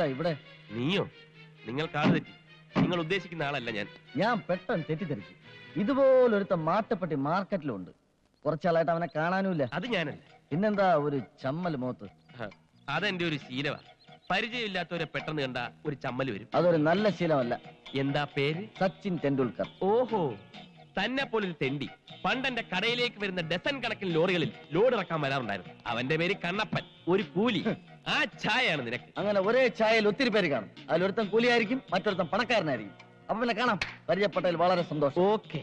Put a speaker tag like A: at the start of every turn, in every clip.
A: ഇവിടെ?
B: നീയോ? നിങ്ങൾക്ക് ആള് തെറ്റി. നിങ്ങൾ ഉദ്ദേശിക്കുന്ന ആളല്ല ഞാൻ.
A: ഞാൻ പെട്ടെന്ന് തെറ്റിദ്ധരിച്ചു. ഇതുപോലൊരുത്ത മാട്ടപ്പെട്ടി മാർക്കറ്റിലുണ്ട്. കുറച്ചാളായിട്ട് അവനെ കാണാനുമില്ല.
B: അത് ഞാനല്ല.
A: പിന്നെന്താ ഒരു ചമ്മൽ മുഖത്ത്?
B: അതെന്റെ ഒരു ശീലമാ. പരിചയമില്ലാത്തവരെ പെട്ടെന്ന് കണ്ട ഒരു ചമ്മൽ വരും.
A: അതൊരു നല്ല ശീലമല്ല.
B: എന്താ പേര്?
A: സച്ചിൻ ടെണ്ടുൽക്കർ.
B: ഓഹോ, തന്നെ പോലൊരു തെണ്ടി പണ്ടെന്റെ കടയിലേക്ക് വരുന്ന ഡസൻ കണക്കിന് ലോറികളിൽ ലോഡ് ഇറക്കാൻ വരാറുണ്ടായിരുന്നു. അവന്റെ പേര് കണ്ണപ്പൻ, ഒരു കൂലി. ആ ചായയാണ് നിനക്ക്.
A: അങ്ങനെ ഒരേ ചായയിൽ ഒത്തിരി പേര് കാണും. അതിലൊരുത്തൻ കൂലിയായിരിക്കും, മറ്റൊരുത്തൻ പണക്കാരനായിരിക്കും. അപ്പൊ പിന്നെ കാണാം. പരിചയപ്പെട്ടതിൽ വളരെ സന്തോഷം.
B: ഓക്കെ.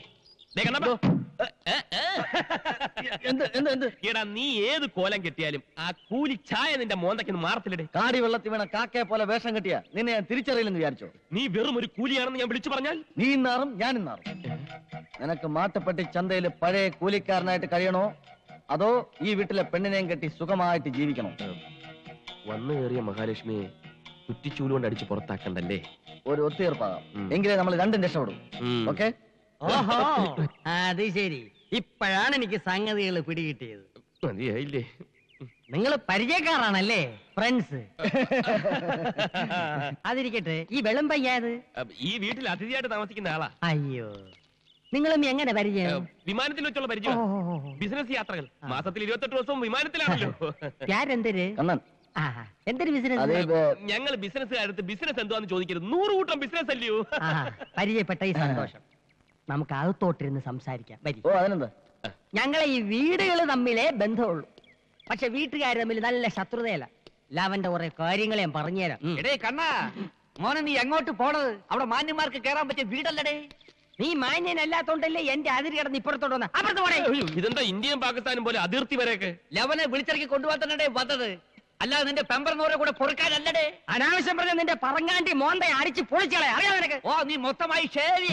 B: എടാ, നീ ഏത് കോലം കെട്ടിയാലും ആ കൂലി ചായ നിന്റെ മോന്തയ്ക്ക് മാറത്തില്ലടേ.
A: കാടി വെള്ളത്തിൽ വീണ കാക്കയെ പോലെ വേഷം കെട്ടിയാ നിന്നെ ഞാൻ തിരിച്ചറിയില്ലെന്ന് വിചാരിച്ചോ?
B: നീ വെറും ഒരു കൂലിയാണെന്ന് ഞാൻ വിളിച്ചു പറഞ്ഞാൽ
A: നീ ഇന്നാറും ഞാൻ ഇന്നാറും. നിനക്ക് മാട്ടുപ്പെട്ടി ചന്തയിൽ പഴയ കൂലിക്കാരനായിട്ട് കഴിയണോ, അതോ ഈ വീട്ടിലെ പെണ്ണിനെയും കെട്ടി സുഖമായിട്ട് ജീവിക്കണോ?
B: വന്നു കയറിയ മഹാലക്ഷ്മിയെ കുറ്റിച്ചൂലുകൊണ്ട് അടിച്ച് പുറത്താക്കണ്ടല്ലേ?
A: ഒരു ഒത്തുതീർപ്പാകാം. എങ്കിലേ നമ്മൾ രണ്ടും രക്ഷപ്പെടും. ഓക്കെ?
C: ഓഹോ, അത് ശരി. ഇപ്പോഴാണ് എനിക്ക് സംഗതികൾ പിടികിട്ടിയത്.
B: മതിയായില്ലേ?
C: നിങ്ങൾ പരിചയക്കാരാണല്ലേ, ഫ്രണ്ട്സ്? അതിരിക്കട്ടെ, ഈ വെളും പയ്യാത്
B: ഈ വീട്ടിൽ അതിഥിയായിട്ട് താമസിക്കുന്ന ആളാ.
C: അയ്യോ, നിങ്ങളും എങ്ങനെ പരിചയം?
B: വിമാനത്തിൽ വെച്ചുള്ള പരിചയം. ബിസിനസ് യാത്രകൾ. മാസത്തിൽ 28 ദിവസവും വിമാനത്തിലാണല്ലോ.
C: എന്തൊരു
A: കണ്ണൻ,
C: എന്തൊരു ബിസിനസ്?
B: ഞങ്ങൾ ബിസിനസ്സുകാരത്ത് ബിസിനസ് എന്തുവാന്ന് ചോദിക്കരുത്. 100 കൂട്ടം ബിസിനസ് അല്ലയോ?
C: പരിചയപ്പെട്ട ഈ സന്തോഷം. നമുക്ക് അകത്തോട്ടിരുന്ന് സംസാരിക്കാം.
A: ഓ, അതിനെന്താ?
C: ഞങ്ങളെ ഈ വീടുകൾ തമ്മിലേ ബന്ധമുള്ളൂ. പക്ഷെ വീട്ടുകാർ തമ്മിൽ നല്ല ശത്രുതയല്ല. ലാവന്റെ കുറെ കാര്യങ്ങൾ ഞാൻ പറഞ്ഞുതരാം.
D: എടേ കണ്ണാ, മോനെ നീ എങ്ങോട്ട് പോണത്? അവിടെ മാന്യന്മാർക്ക് കേറാൻ പറ്റിയ വീടല്ലടേ.
C: നീ മാന്യനല്ലാത്തോണ്ടല്ലേ എന്റെ അതിര് കിടന്ന് ഇപ്പുറത്തോട്ട് വന്ന. അപ്പുറത്ത് പോണേ.
B: ഇതെന്താ ഇന്ത്യയും പാകിസ്ഥാനും പോലെ അതിർത്തി വരെയൊക്കെ?
D: ലവനെ വിളിച്ചിറക്കി കൊണ്ടുപോകാൻ തന്നെ വന്നത്, അല്ലാതെ നിന്റെ പെമ്പറിനോരെ കൂടെ പൊറുക്കാനല്ലടേ.
C: അനാവശ്യം പറഞ്ഞ നിന്റെ പറങ്ങാണ്ടി മോന്തെ അടിച്ച് പൊളിച്ചളെ. അറിയാം നിനക്ക്?
D: ഓ, നീ മൊത്തമായി ശരി.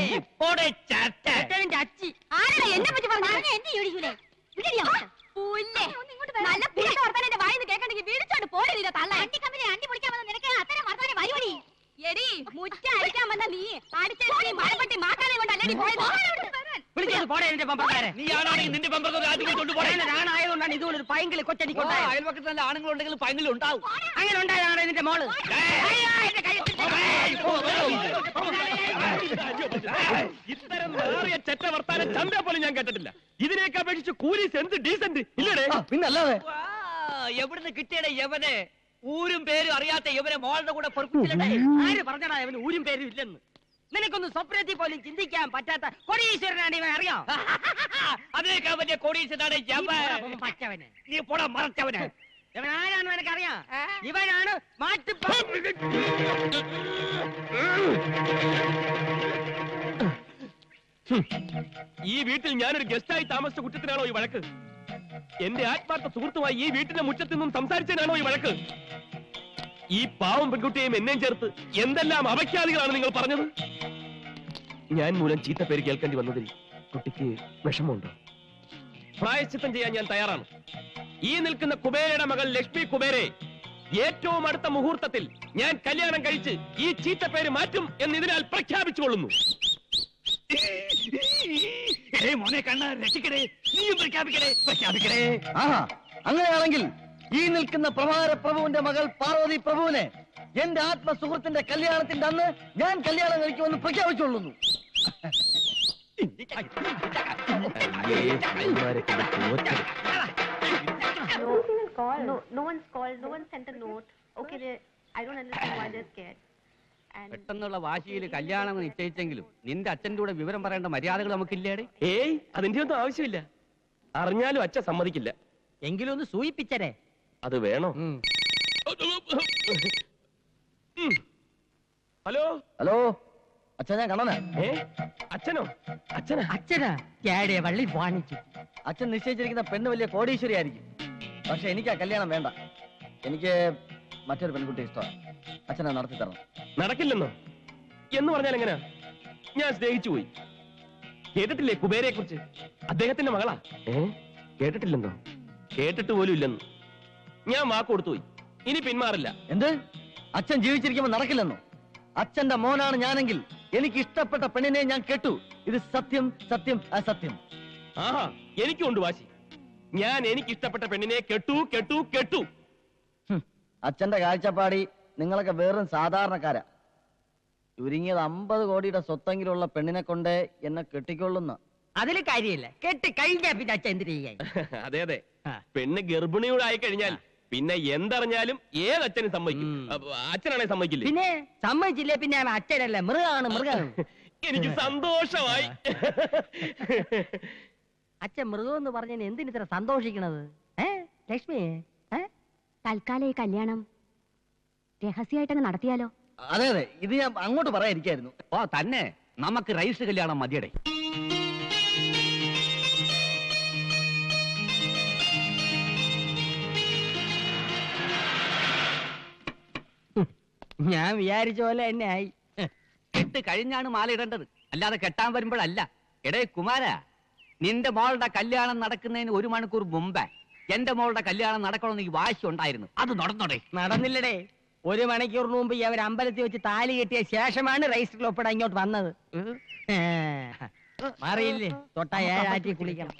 C: അച്ചി
E: ആരാ എന്നെ പറ്റി പറഞ്ഞു? എന്നെ ചോദിക്കൂലേ? നല്ല വർത്താനം വായിന്ന് കേൾക്കണ്ടെങ്കിൽ വീടിച്ചോണ്ട് പോലെ അണ്ടി കമ്പനി അണ്ടി പൊളിക്കാൻ വന്ന നിനക്ക് അത്തരം വർത്താനം വരുവടി. എടി മുറ്റ അടിക്കാൻ വന്ന നീ അടിച്ചടി മഴപ്പെട്ടി മാക്കാനെ കൊണ്ടല്ലേ പോയത്?
D: നിന്റെ
C: ആയതുകൊണ്ടാണ് ഇതുപോലൊരു പൈങ്കിളി കൊച്ചടിക്കൊണ്ടായത്.
D: അയൽപക്കത്ത് നല്ല ആണുങ്ങളുണ്ടെങ്കിൽ പൈങ്കിലും ഉണ്ടാവും.
C: അങ്ങനെ ഉണ്ടായതാണ് നിന്റെ മോള്.
B: ഇത്തരം ചെറ്റ വർത്താനം ചന്ത പോലും ഞാൻ കേട്ടിട്ടില്ല. ഇതിനേക്ക് അപേക്ഷിച്ച് കൂലി സെൻസ് ഡീസന്റ് ഇല്ലടേ?
A: പിന്നല്ലാതെ.
D: എവിടുന്ന് കിട്ടിയടേ യവനെ? ഊരും പേരും അറിയാത്ത യവനെ മോളുടെ കൂടെ പൊറുപ്പിച്ചില്ലേ?
C: ആര് പറഞ്ഞടാ അവന് ഊരും പേരും ഇല്ലെന്ന്? നിനക്കൊന്ന് സ്വപ്നത്തിൽ പോലും ചിന്തിക്കാൻ പറ്റാത്ത കോടീശ്വരനാണ് ഇവൻ. അറിയാം?
D: അതിനേക്കാൾ വലിയ കോടീശ്വരനാണ് യവൻ.
C: പച്ചവന്.
D: നീ പോടാ മറച്ചവന്.
C: ഇവൻ ആരാണെന്ന് എനിക്കറിയാം. ഇവനാണ്
B: ഈ വീട്ടിൽ ഞാനൊരു ഗസ്റ്റായി താമസിച്ച കുറ്റത്തിനാണോ ഈ വഴക്ക്? എന്റെ ആത്മാർത്ഥ സുഹൃത്തുമായി ഈ വീട്ടിന്റെ മുറ്റത്തു നിന്നും സംസാരിച്ചതിനാണോ ഈ വഴക്ക്? ഈ പാവം പെൺകുട്ടിയെയും എന്നെയും ചേർത്ത് എന്തെല്ലാം അപഖ്യാതികളാണ് നിങ്ങൾ പറഞ്ഞത്? ഞാൻ മൂലം ചീത്ത പേര് കേൾക്കേണ്ടി വന്നതിൽ കുട്ടിക്ക് വിഷമമുണ്ടോ? പ്രായശ്ചിത്തം ചെയ്യാൻ ഞാൻ തയ്യാറാണ്. ഈ നിൽക്കുന്ന കുബേരയുടെ മകൾ ലക്ഷ്മി കുബേരെ ഏറ്റവും അടുത്ത മുഹൂർത്തത്തിൽ ഞാൻ കല്യാണം കഴിച്ച് ഈ ചീത്ത പേര് മാറ്റും എന്ന് ഇതിനാൽ പ്രഖ്യാപിച്ചുകൊള്ളുന്നു.
D: മോനെ കണ്ണ രക്ഷിക്കടേ, നീയും പ്രഖ്യാപിക്കടേ.
A: അങ്ങനെയാണെങ്കിൽ ഈ നിൽക്കുന്ന പ്രഭാര പ്രഭുവിന്റെ മകൾ പാർവതി പ്രഭുവിനെ എന്റെ ആത്മസുഹൃത്തിന്റെ കല്യാണത്തിന്റെ അന്ന് ഞാൻ കല്യാണം കഴിക്കുമെന്ന് പ്രഖ്യാപിച്ചുകൊള്ളുന്നു.
E: No one's called. No one sent a note. Okay, I don't understand why they're scared.
D: പെട്ടെന്നുള്ള വാശിയിൽ കല്യാണം നിശ്ചയിച്ചെങ്കിലും നിന്റെ അച്ഛൻ്റെ കൂടെ വിവരം പറയേണ്ട മര്യാദകൾ നമുക്കില്ലേടെ?
B: ഏയ്, അതിന്റെ ഒന്നും ആവശ്യമില്ല. അറിഞ്ഞാലും അച്ഛൻ സമ്മതിക്കില്ല.
C: എങ്കിലും ഒന്ന് സൂചിപ്പിച്ചരേ.
B: അത് വേണോ? ഹലോ
A: ഹലോ, അച്ഛൻ ഞാൻ കണ്ണനാ.
B: അച്ഛനോ?
C: അച്ഛനാ വള്ളി വാണിച്ചു.
A: അച്ഛൻ നിശ്ചയിച്ചിരിക്കുന്ന പെണ്ണ് വലിയ കോടീശ്വരി ആയിരിക്കും. പക്ഷെ എനിക്ക് ആ കല്യാണം വേണ്ട. എനിക്ക് മറ്റൊരു പെൺകുട്ടി ഇഷ്ടമാണ്. അച്ഛനെ നടത്തി തരണം.
B: നടക്കില്ലെന്നോ? എന്ന് പറഞ്ഞാൽ എങ്ങനെയാ? ഞാൻ സ്നേഹിച്ചു പോയി. കേട്ടിട്ടില്ലേ കുബേരയെ കുറിച്ച്? അദ്ദേഹത്തിന്റെ മകളാ. കേട്ടിട്ടില്ലെന്നോ? കേട്ടിട്ട് പോലും ഇല്ലെന്ന്. ഞാൻ വാക്ക് കൊടുത്തു പോയി. ഇനി പിന്മാറില്ല.
A: എന്ത്? അച്ഛൻ ജീവിച്ചിരിക്കുമ്പോൾ നടക്കില്ലെന്നോ? അച്ഛന്റെ മോനാണ് ഞാനെങ്കിൽ എനിക്ക് ഇഷ്ടപ്പെട്ട പെണ്ണിനെ ഞാൻ കെട്ടു. ഇത് സത്യം, സത്യം, അസത്യം.
B: ആഹാ, എനിക്കുണ്ട് വാശി. ഞാൻ എനിക്ക് ഇഷ്ടപ്പെട്ട പെണ്ണിനെ കെട്ടു.
A: അച്ഛന്റെ കാഴ്ചപ്പാടി നിങ്ങളൊക്കെ വെറും സാധാരണക്കാരാ. ചുരുങ്ങിയത് 50 കോടിയുടെ സ്വത്തെങ്കിലുള്ള പെണ്ണിനെ കൊണ്ട് എന്നെ കെട്ടിക്കൊള്ളുന്ന.
C: അതിൽ കാര്യമില്ല, കെട്ടി കഴിഞ്ഞാ പിന്നെ അച്ഛൻ എന്തിനു ചെയ്യാൻ?
B: അതെ അതെ,
C: ആ.
B: പെണ്ണ് ഗർഭിണിയോട് ആയി കഴിഞ്ഞാൽ പിന്നെ എന്തറിഞ്ഞാലും ഏതച്ഛനും സമ്മതിക്കും. അച്ഛനാണെ സമ്മതിക്കില്ലേ?
C: പിന്നെ സമ്മതിച്ചില്ലേ പിന്നെ അവൻ അച്ഛനല്ല, മൃഗമാണ് മൃഗം.
B: എനിക്ക് സന്തോഷമായി.
C: അച്ഛൻ മൃഗം എന്ന് പറഞ്ഞതിന് എന്തിന് ഇത്ര സന്തോഷിക്കണത്? ലക്ഷ്മി,
E: തൽക്കാലം ഈ കല്യാണം രഹസ്യമായിട്ടങ്ങ് നടത്തിയാലോ?
A: അതെ അതെ, ഇത് ഞാൻ അങ്ങോട്ട് പറയാതിരിക്കായിരുന്നു.
D: ഓ തന്നെ, നമുക്ക് രജിസ്റ്റർ കല്യാണം മതിയടേ.
C: ഞാൻ വിചാരിച്ച പോലെ തന്നെ ആയി.
D: കെട്ട് കഴിഞ്ഞാണ് മാല ഇടേണ്ടത്, അല്ലാതെ കെട്ടാൻ വരുമ്പോഴല്ല. എടേ കുമാര, നിന്റെ മോളുടെ കല്യാണം നടക്കുന്നതിന് 1 മണിക്കൂർ മുമ്പേ എന്റെ മോളുടെ കല്യാണം നടക്കണമെന്ന് ഈ വാശി ഉണ്ടായിരുന്നു. അത് നടന്നോടെ?
C: നടന്നില്ലടേ. 1 മണിക്കൂറിന് മുമ്പ് അവർ അമ്പലത്തിൽ വെച്ച് താലി കെട്ടിയ ശേഷമാണ് രജിസ്റ്ററിൽ ഒപ്പിടാൻ ഇങ്ങോട്ട് വന്നത്. മാറിയില്ലേ? തൊട്ട 7 ആറ്റി കുളിക്കണം.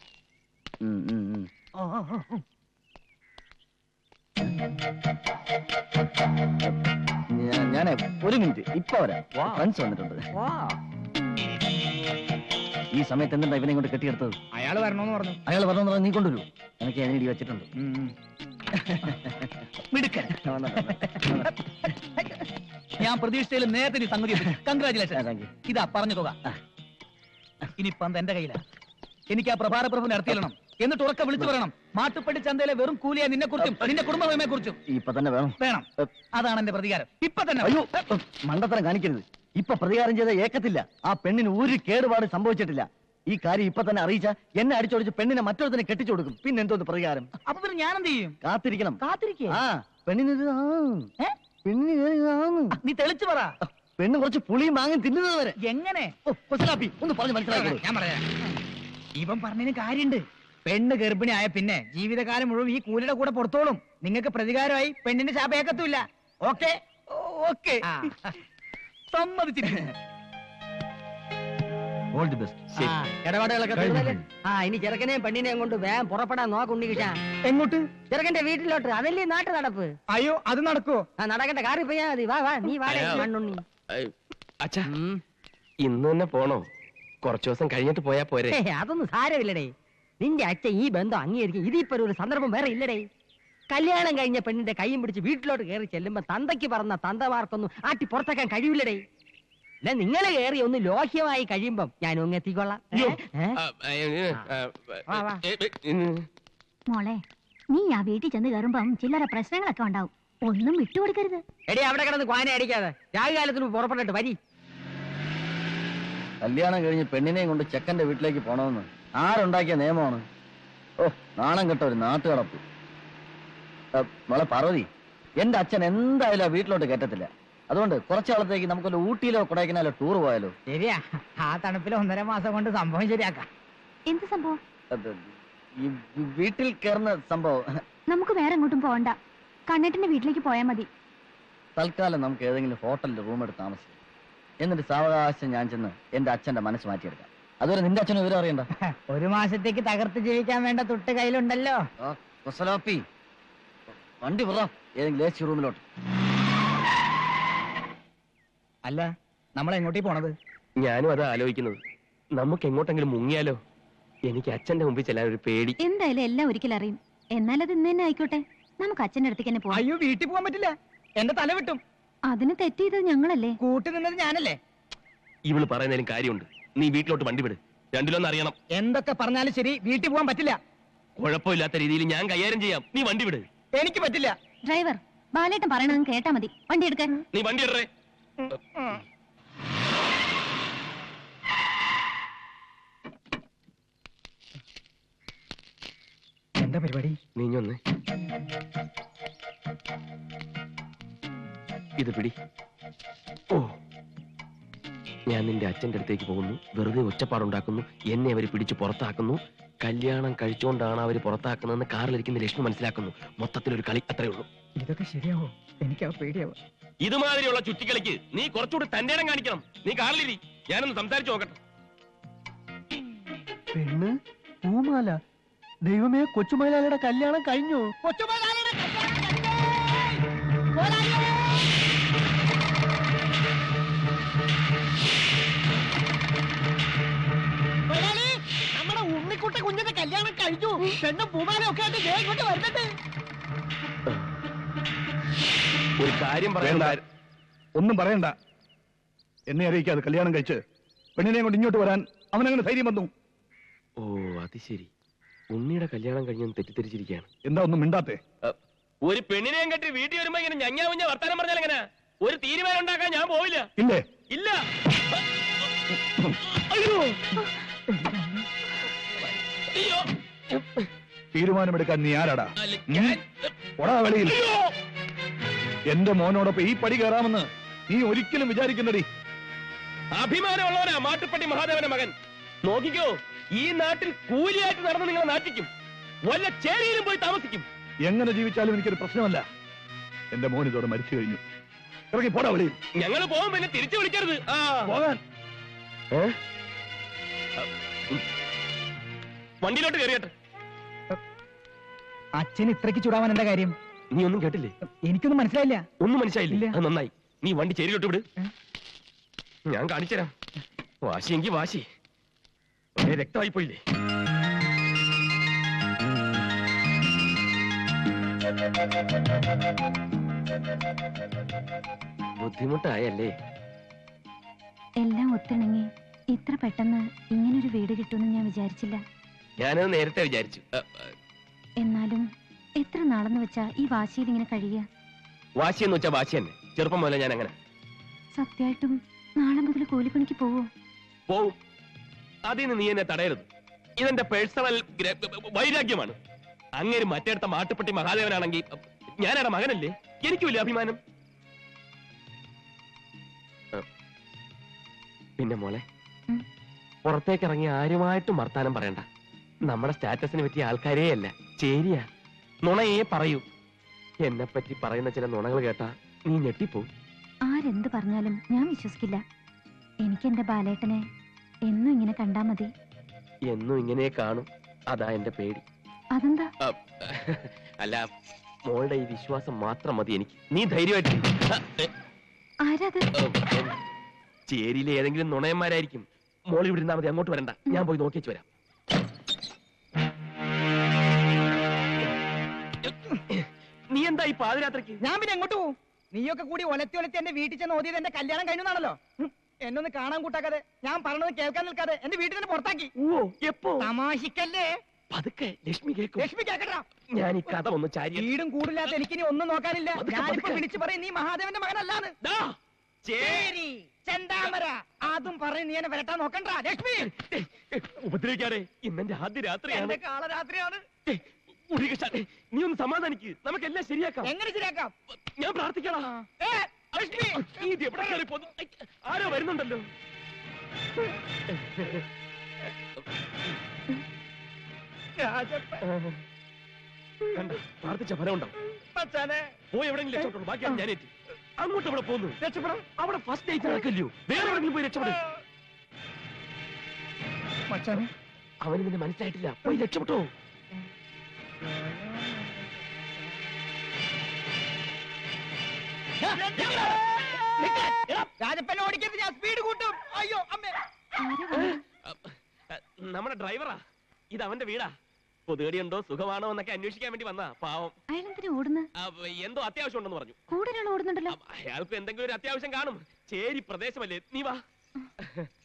A: ഞാനേ 1 മിനിറ്റ് ഇപ്പൊ വരാം. ഫ്രണ്ട്സ് വന്നിട്ടുണ്ട്. ഈ സമയത്ത് എന്താ ഇവനെ കൊണ്ട് കെട്ടിയെടുത്തത്?
F: അയാള് വരണോന്ന് പറഞ്ഞു.
A: അയാൾ പറഞ്ഞു നീ കൊണ്ടുവരൂ, എനിക്ക് അതിന് ഇടി വെച്ചിട്ടുണ്ട്.
F: മിടുക്കൻ. ഞാൻ പ്രതീക്ഷിച്ചതിൽ നേരത്തെ നീ സംഗതി. കൺഗ്രാചുലേഷൻ. ഇതാ പറഞ്ഞ തുക. ഇനിയിപ്പം എന്റെ കയ്യിലാണ്. എനിക്ക് ആ പ്രഭാര പ്രഭുവിനെ നടത്തിയിരണം. എന്നിട്ട് ഉറക്കെ വിളിച്ചു പറയണം, മാട്ടുപ്പള്ളി ചന്തയിലെ വെറും കൂലിയെ നിന്നെ കുറിച്ചും നിന്റെ കുടുംബമയെ കുറിച്ചും.
A: ഇപ്പൊ തന്നെ വേണം.
F: വേണം. അതാണ് എന്റെ പ്രതികാരം. ഇപ്പൊ തന്നെ.
A: അയ്യോ, മണ്ടത്തരം കാണിക്കരുത്. ഇപ്പൊ പ്രതികാരം ചെയ്ത ഏക്കത്തില്ല. ആ പെണ്ണിന് ഒരു കേടുപാട് സംഭവിച്ചിട്ടില്ല. ഈ കാര്യം ഇപ്പൊ തന്നെ അറിയിച്ച എന്നെ അടിച്ചോടിച്ച് പെണ്ണിനെ മറ്റൊരുത്തിനെ കെട്ടിച്ചു കൊടുക്കും. പിന്നെ എന്തോന്ന് പ്രതികാരം?
F: അപ്പൊ പിന്നെ ഞാൻ എന്ത് ചെയ്യും?
A: കാത്തിരിക്കണം.
F: കാത്തിരിക്കേ?
A: ആ പെണ്ണിന്
F: നീ തെളിച്ചു പറ.
A: പെണ്ണ് കുറച്ച് പുളിയും വാങ്ങി തിന്നുന്നത് വരെ.
F: എങ്ങനെ?
A: ഒന്ന് പറഞ്ഞു മനസ്സിലാക്കി.
F: ഞാൻ പറയാം. ഇവൻ പറഞ്ഞതിന് കാര്യണ്ട്. പെണ്ണ് ഗർഭിണി ആയ പിന്നെ ജീവിതകാലം മുഴുവൻ ഈ കൂലിയുടെ കൂടെ പുറത്തോളും. നിങ്ങൾക്ക് പ്രതികാരമായി പെണ്ണിന്റെ ശാപേക്കത്തുമില്ല. ഓക്കെ? ഓക്കെ, സമ്മതിച്ചിരിക്കുന്നു.
A: All the best.
C: ഇടപാടുകളൊക്കെ തീർന്നല്ലേ? ഇനി ചെറുക്കനെയും പെണ്ണിനെയും കൊണ്ട് വേഗം പുറപ്പെടാൻ നോക്കുണ്ടിരിക്കാ.
F: എങ്ങോട്ട്?
C: ചെറുക്കന്റെ വീട്ടിലോട്ട്. അതല്ലേ നാട്ടു നടപ്പ്.
F: അയ്യോ, അത് നടക്കുവോ?
C: നടക്കണ്ട, കാറി പോയാ മതി. വാ വാ, നീ വാടേ മണ്ണുണ്ണി.
B: അച്ഛാ, ഇന്ന് തന്നെ പോണോ? കുറച്ചു ദിവസം കഴിഞ്ഞിട്ട് പോയാ പോരെ?
C: അതൊന്നും സാരമില്ലടേ. നിന്റെ അച്ഛൻ ഈ ബന്ധം അംഗീകരിക്കും. ഇതിപ്പോ ഒരു സന്ദർഭം വേറെ ഇല്ലടേ. കല്യാണം കഴിഞ്ഞ പെണ്ണിന്റെ കൈയും പിടിച്ച് വീട്ടിലോട്ട് കയറി ചെല്ലുമ്പോ തന്തയ്ക്ക് പറഞ്ഞ തന്തമാർക്കൊന്നും ആട്ടി പുറത്താക്കാൻ കഴിയില്ലടേ. നിങ്ങൾ കയറി ഒന്ന് ലോഹ്യമായി കഴിയുമ്പം ഞാൻ ഒന്ന് എത്തിക്കൊള്ളാം.
E: മോളെ, നീ ആ വീട്ടിൽ ചെന്ന് കയറുമ്പം ചില്ലറ പ്രശ്നങ്ങളൊക്കെ ഉണ്ടാവും. ഒന്നും വിട്ടുകൊടുക്കരുത്.
C: എടി, അവിടെ കിടന്ന് ക്വാന അടിക്കാതെ രാഹുകാലത്തിന് പുറപ്പെട്ടിട്ട് വരി.
A: കല്യാണം കഴിഞ്ഞ് പെണ്ണിനെയും കൊണ്ട് ചെക്കന്റെ വീട്ടിലേക്ക് പോണമെന്ന് ആരുണ്ടാക്കിയ നിയമമാണ്? ഓ, നാണം കെട്ട ഒരു നാട്ടുകടപ്പ്. മോളെ പാർവതി, എന്റെ അച്ഛൻ എന്തായാലും ആ വീട്ടിലോട്ട് കയറ്റത്തില്ല. അതുകൊണ്ട് കുറച്ചു കാലത്തേക്ക് നമുക്കൊരു ഊട്ടിയിലോ കൊടൈക്കനാലോ ടൂർ പോയാലോ?
F: ശരിയാ, ആ തണുപ്പിൽ 1.5 മാസം കൊണ്ട് സംഭവം ശരിയാക്കാം.
E: എന്ത് സംഭവം?
A: ഈ വീട്ടിൽ കയറുന്ന സംഭവം.
E: നമുക്ക് വേറെ എങ്ങോട്ടും പോകണ്ട. കണ്ണേട്ടന്റെ വീട്ടിലേക്ക് പോയാൽ മതി.
A: തൽക്കാലം നമുക്ക് ഏതെങ്കിലും ഹോട്ടലിൽ റൂം എടുത്ത് താമസിക്കാം. എന്നിട്ട് സാവകാശം ഞാൻ ചെന്ന് എന്റെ അച്ഛന്റെ മനസ്സ് മാറ്റിയെടുക്കാം. അതുവരെ നിന്റെ അച്ഛനും വിവരം അറിയണ്ട.
F: 1 മാസത്തേക്ക് തകർത്ത് ജീവിക്കാൻ വേണ്ട തുട്ട് കയ്യിലുണ്ടല്ലോ.
A: വണ്ടി പറ ഏതെങ്കിലും AC റൂമിലോട്ട്.
F: അല്ല, നമ്മൾ എങ്ങോട്ടേ പോണത്?
B: ഞാനും അതാ ആലോചിക്കുന്നത്. നമുക്ക് എങ്ങോട്ടെങ്കിലും മുങ്ങിയാലോ? എനിക്ക് അച്ഛന്റെ മുമ്പിൽ ചെല്ലാൻ ഒരു പേടി.
E: എന്തായാലും എല്ലാം ഒരിക്കലും അറിയും. എന്നാലത് ഇന്ന് തന്നെ ആയിക്കോട്ടെ. നമുക്ക് അച്ഛന്റെ അടുത്തേക്ക് തന്നെ പോവാം.
F: അയ്യോ, വീട്ടിൽ പോകാൻ പറ്റില്ല. എന്റെ തല വിട്ടും.
E: അതിന് തെറ്റ് ചെയ്തത് ഞങ്ങളല്ലേ?
F: കൂട്ടി നിന്നത് ഞാനല്ലേ?
B: ഇവള് പറയുന്നതിലും കാര്യമുണ്ട്. നീ വീട്ടിലോട്ട് വണ്ടി വിട്. രണ്ടിലൊന്നും അറിയണം.
F: എന്തൊക്കെ പറഞ്ഞാലും ശരി, വീട്ടിൽ പോകാൻ പറ്റില്ല.
B: കുഴപ്പമില്ലാത്ത രീതിയിൽ ഞാൻ കൈകാര്യം ചെയ്യാം. നീ വണ്ടി വിട്.
F: എനിക്ക് പറ്റില്ല.
E: ഡ്രൈവർ, ബാലേട്ടൻ പറയണത് കേട്ടാ മതി. വണ്ടി എടുക്കാൻ.
B: നീ വണ്ടി ഇടറേ.
F: എന്താ പരിപാടി?
B: നീഞ്ഞൊന്ന് ഇത് പിടി. ഓ, ഞാൻ നിന്റെ അച്ഛന്റെ അടുത്തേക്ക് പോകുന്നു. വെറുതെ ഒച്ചപ്പാടുണ്ടാക്കുന്നു. എന്നെ അവര് പിടിച്ച് പുറത്താക്കുന്നു. കല്യാണം കഴിച്ചുകൊണ്ടാണ് അവര് പുറത്താക്കുന്നതെന്ന് കാറിലിരിക്കുന്ന ലക്ഷ്മി മനസ്സിലാക്കുന്നു. മൊത്തത്തിലൊരു കളി, അത്രേ ഉള്ളൂ.
F: ഇതൊക്കെ ശരിയാവോ? എനിക്ക് പേടിയാവോ?
B: ഇതുമാതിരിയുള്ള ചുറ്റിക്കളിക്ക് നീ കുറച്ചുകൂടി തന്റെ ഇടം കാണിക്കണം. നീ കാറിലിരി, ഞാനൊന്ന് സംസാരിച്ചു നോക്കട്ടെ.
A: പെണ്ണ് പൂമാല. ദൈവമേ, കൊച്ചുമലയാളിയുടെ കല്യാണം കഴിഞ്ഞു.
F: കൊച്ചുമലയാളിയുടെ കല്യാണം കഴിഞ്ഞേ!
C: പേരൂട്ട കുഞ്ഞിന്റെ കല്യാണം കഴിഞ്ഞു. പെണ്ണും പൂമാലൊക്കെ ആയിട്ട് ദേ ഇങ്ങോട്ട് വരുന്നുണ്ട്.
B: ഒരു കാര്യം പറയണ്ട.
G: ഒന്നും പറയണ്ട. എന്നെ അറിയിക്കാതെ കല്യാണം കഴിച്ച് പെണ്ണിനെ കൊണ്ട് ഇങ്ങോട്ട് വരാൻ അവനങ്ങനെ ധൈര്യം വന്നു.
B: ഓ അത് ശരി, ഉണ്ണിയുടെ കല്യാണം കഴിഞ്ഞെന്ന് തെറ്റിദ്ധരിച്ചിരിക്കുകയാണ്.
G: എന്താ ഒന്നും മിണ്ടാത്തെ?
B: ഒരു പെണ്ണിനെയും കെട്ടി വീട്ടിൽ വരുമ്പോ ഇങ്ങനെ ഞഞ്ഞാ മുഞ്ഞ വർത്താനം പറഞ്ഞാൽ എങ്ങനെ? ഒരു തീരുമാനം ഉണ്ടാക്കാൻ ഞാൻ പോവില്ല.
G: ഇല്ലേ?
B: ഇല്ല. അയ്യോ അയ്യോ,
G: തീരുമാനമെടുക്കാൻ നീ ആരാടാ? ഒടാ വെളിയിൽ. എന്റെ മോനോടൊപ്പം ഈ പടി കയറാമെന്ന് നീ ഒരിക്കലും വിചാരിക്കുന്നടി.
B: അഭിമാനമുള്ളവനാ മാട്ടുപ്പെട്ടി മഹാദേവന്റെ മകൻ. നോക്കിക്കോ, ഈ നാട്ടിൽ കൂലിയായിട്ട് നടന്ന് നിങ്ങളെ നാട്ടിക്കും, വല്ല ചേരിയിലും പോയി താമസിക്കും.
G: എങ്ങനെ ജീവിച്ചാലും എനിക്കൊരു പ്രശ്നമല്ല. എന്റെ മോൻ ഇതോടെ മരിച്ചു കഴിഞ്ഞു. ഇറങ്ങി പോടാ വെളിയിൽ.
B: ഞങ്ങൾ പോകും, പിന്നെ തിരിച്ചു വിളിക്കരുത്.
G: പോകാൻ
B: വണ്ടിയിലോട്ട് കയറിയട്ടെ.
F: അച്ഛൻ ഇത്രയ്ക്ക് ചൂടാവാൻ എന്താ കാര്യം?
B: നീ ഒന്നും കേട്ടില്ലേ?
F: എനിക്കൊന്നും മനസ്സിലായില്ല.
B: ഒന്നും മനസ്സിലായില്ലേ? അത് നന്നായി. നീ വണ്ടി ചേരിയിലോട്ട് വിട്, ഞാൻ കാണിച്ചുതരാം. വാശിയെങ്കി വാശി, ഒരേ രക്തമായി പോയില്ലേ? ബുദ്ധിമുട്ടായല്ലേ?
E: എല്ലാം ഒത്തിണങ്ങി ഇത്ര പെട്ടെന്ന് ഇങ്ങനൊരു വീട് കിട്ടുമെന്ന് ഞാൻ വിചാരിച്ചില്ല.
B: ഞാനത് നേരത്തെ വിചാരിച്ചു.
E: എന്നാലും എത്ര നാളെന്ന് വെച്ചാ ഈ വാശിയിൽ ഇങ്ങനെ കഴിയുക?
B: വാശി എന്ന് വെച്ചാ വാശി തന്നെ. ചെറുപ്പം മുതലേ ഞാൻ അങ്ങനെ.
E: സത്യമായിട്ടും നാളെ മുതൽ കൂലിപ്പണിക്ക് പോവോ?
B: പോവും. അതിന് നീ എന്നെ തടയരുത്. ഇതെന്റെ പേഴ്സണൽ വൈരാഗ്യമാണ്. അങ്ങേര് മറ്റേടത്ത മാട്ടുപ്പെട്ടി മഹാദേവനാണെങ്കിൽ ഞാനവിടെ മകനല്ലേ? എനിക്കുമില്ല അഭിമാനം. പിന്നെ മോളെ, പുറത്തേക്ക് ഇറങ്ങി ആരുമായിട്ടും വർത്താനം പറയണ്ട. നമ്മുടെ സ്റ്റാറ്റസിന് പറ്റിയ ആൾക്കാരേ അല്ല, ചേരിയാ. നുണയേ പറയൂ. എന്നെ പറ്റി പറയുന്ന ചില നുണകൾ കേട്ടാ നീ ഞെട്ടിപ്പോ.
E: ആരെന്ത് പറഞ്ഞാലും ഞാൻ വിശ്വസിക്കില്ല. എനിക്ക് എന്റെ ബാലേട്ടനെ എന്നും ഇങ്ങനെ കണ്ടാ മതി.
B: എന്നും ഇങ്ങനെ കാണും, അതാ എന്റെ പേടി.
E: അതെന്താ?
B: അല്ല, മോളുടെ ഈ വിശ്വാസം മാത്രം മതി എനിക്ക്. നീ ധൈര്യമായിട്ട്.
E: ആരാത്?
B: ചേരിയിലെ ഏതെങ്കിലും നുണയന്മാരായിരിക്കും. മോൾ ഇവിടെ ഇരുന്നാ മതി, അങ്ങോട്ട് വരണ്ട. ഞാൻ പോയി നോക്കിച്ചു വരാം. നീ എന്താ ഈ പാതിരാത്രിക്ക്?
C: ഞാൻ പിന്നെ എങ്ങോട്ട് പോവും? നീയൊക്കെ കൂടി ഒലത്തി ഒലത്തി എന്റെ വീട്ടിൽ ചെന്ന് ഓതിയത് എന്റെ കല്യാണം കഴിഞ്ഞാണല്ലോ. എന്നൊന്ന് കാണാൻ കൂട്ടാക്കാതെ, ഞാൻ പറഞ്ഞത് കേൾക്കാൻ നിൽക്കാതെ എന്റെ വീട്ടിൽ തന്നെ പുറത്താക്കി.
B: ഓ, എപ്പോ?
C: തമാശിക്കല്ലേ?
B: പതുക്കെ, ലക്ഷ്മി കേൾക്കും.
C: ലക്ഷ്മി കേക്കട്ടാ.
B: ഞാൻ ഈ കഥ ഒന്ന് ചാരി.
C: വീടും കൂടില്ലാത്ത എനിക്കിനി ഒന്നും നോക്കാനില്ല. ഞാനിപ്പോ വിളിച്ചു പറയും നീ മഹാദേവന്റെ മകനല്ലാന്ന്. ചേരി ചെന്താമര അതും പറയും നീ എന്നെ വരട്ടാൻ നോക്കണ്ട. ലക്ഷ്മി
B: ഉപദ്രവിക്കാതെ, ഇന്നെന്റെ ആദ്യ രാത്രിയാണ്.
C: എന്റെ കാളരാത്രിയാണ്.
B: നീ ഒന്ന് സമാധാനിക്ക്, നമുക്കെല്ലാം ശരിയാക്കാം.
C: എങ്ങനെ ശരിയാക്കാം?
B: ഞാൻ പ്രാർത്ഥിക്കണം.
C: ലക്ഷ്മി
B: ഇത് എവിടെ കയറി പോന്നു? ആരോ വരുന്നുണ്ടല്ലോ. കണ്ട, പ്രാർത്ഥിച്ച ഫലം ഉണ്ടാവും. പോയി എവിടെയെങ്കിലും രക്ഷപ്പെട്ടുള്ളൂ, ബാക്കിയാണ് ഞാൻ ഏറ്റി. അങ്ങോട്ട് എവിടെ പോന്നു? രക്ഷപ്പെടാം. അവിടെ ഫസ്റ്റ് നൈറ്റ് നടക്കല്ലോ, വേറെ എവിടെയെങ്കിലും പോയി രക്ഷപ്പെടും. അവന് നിന്നെ മനസ്സിലായിട്ടില്ല, പോയി രക്ഷപ്പെട്ടോ.
C: രാജപ്പനെ ഓടിക്കരുത്, ഞാൻ സ്പീഡ് കൂട്ടും. അയ്യോ അമ്മേ.
B: നമ്മുടെ ഡ്രൈവറാ, ഇത് അവന്റെ വീടാ. പൊതുകടിയുണ്ടോ, സുഖമാണോ എന്നൊക്കെ അന്വേഷിക്കാൻ വേണ്ടി വന്നാ. പാവം. എന്തോ അത്യാവശ്യം ഉണ്ടെന്ന് പറഞ്ഞു.
E: കൂടുതൽ ഓടുന്നുണ്ടല്ലോ.
B: അയാൾക്ക് എന്തെങ്കിലും ഒരു അത്യാവശ്യം കാണും. ചേരി പ്രദേശമല്ലേ, നീ വാ.